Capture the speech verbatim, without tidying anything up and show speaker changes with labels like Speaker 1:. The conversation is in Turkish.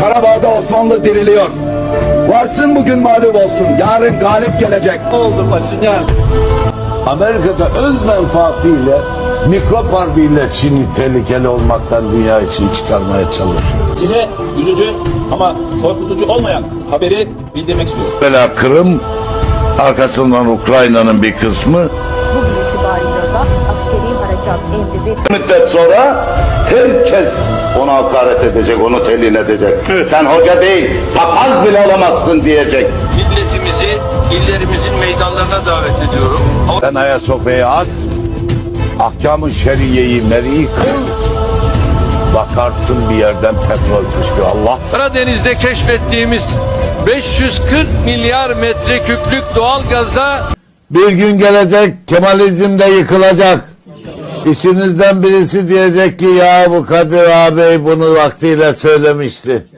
Speaker 1: Karabağ'da Osmanlı diriliyor. Varsın bugün mağlup olsun. Yarın galip gelecek.
Speaker 2: Ne oldu Paşinyan?
Speaker 3: Amerika'da öz menfaatiyle mikrop harbiyle Çin'i tehlikeli olmaktan dünya için çıkarmaya çalışıyor.
Speaker 4: Size üzücü ama korkutucu olmayan haberi bildirmek istiyorum.
Speaker 5: Bela Kırım, arkasından Ukrayna'nın bir kısmı.
Speaker 6: Bugün itibariyle da askeri harekat emri
Speaker 5: Bir müddet sonra herkes ona hakaret edecek, onu telin edecek. Evet. Sen hoca değil, papaz bile olamazsın diyecek.
Speaker 7: Milletimizi illerimizin meydanlarına davet ediyorum.
Speaker 5: Sen Ayasofya'ya at, ahkam-ı şeriyeyi meri kıl, bakarsın bir yerden petrol fışkıyor. Allah.
Speaker 7: Karadeniz'de keşfettiğimiz beş yüz kırk milyar metreküplük doğalgazda
Speaker 3: Bir gün gelecek, Kemalizm de yıkılacak. İçinizden birisi diyecek ki ya bu Kadir ağabey bunu vaktiyle söylemişti.